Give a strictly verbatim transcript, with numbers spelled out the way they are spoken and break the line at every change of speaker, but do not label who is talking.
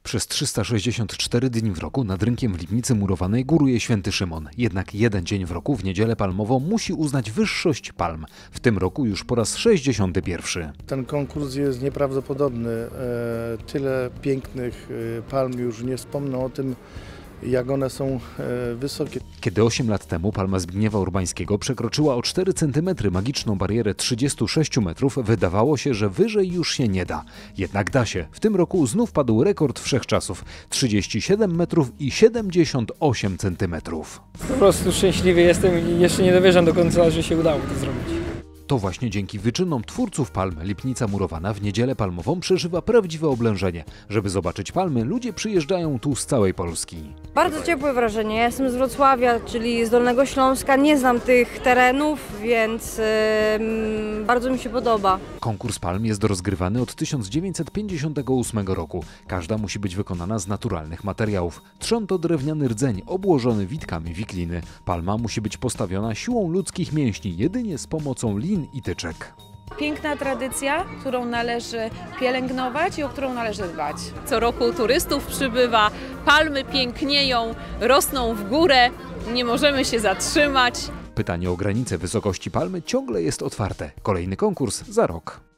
Przez trzysta sześćdziesiąt cztery dni w roku nad rynkiem w Lipnicy Murowanej góruje Święty Szymon. Jednak jeden dzień w roku, w Niedzielę Palmową, musi uznać wyższość palm. W tym roku już po raz sześćdziesiąty pierwszy.
Ten konkurs jest nieprawdopodobny. Tyle pięknych palm, już nie wspomnę o tym, jak one są wysokie.
Kiedy osiem lat temu palma Zbigniewa Urbańskiego przekroczyła o cztery centymetry magiczną barierę trzydziestu sześciu metrów, wydawało się, że wyżej już się nie da. Jednak da się. W tym roku znów padł rekord wszechczasów. trzydzieści siedem metrów i siedemdziesiąt osiem centymetrów.
Po prostu szczęśliwy jestem i jeszcze nie dowierzam do końca, że się udało to zrobić.
To właśnie dzięki wyczynom twórców palm Lipnica Murowana w Niedzielę Palmową przeżywa prawdziwe oblężenie. Żeby zobaczyć palmy, ludzie przyjeżdżają tu z całej Polski.
Bardzo ciepłe wrażenie. Ja jestem z Wrocławia, czyli z Dolnego Śląska. Nie znam tych terenów, więc yy, bardzo mi się podoba.
Konkurs palm jest rozgrywany od tysiąc dziewięćset pięćdziesiątego ósmego roku. Każda musi być wykonana z naturalnych materiałów. Trzon to drewniany rdzeń obłożony witkami wikliny. Palma musi być postawiona siłą ludzkich mięśni, jedynie z pomocą lin i tyczek.
Piękna tradycja, którą należy pielęgnować i o którą należy dbać.
Co roku turystów przybywa, palmy pięknieją, rosną w górę, nie możemy się zatrzymać.
Pytanie o granicę wysokości palmy ciągle jest otwarte. Kolejny konkurs za rok.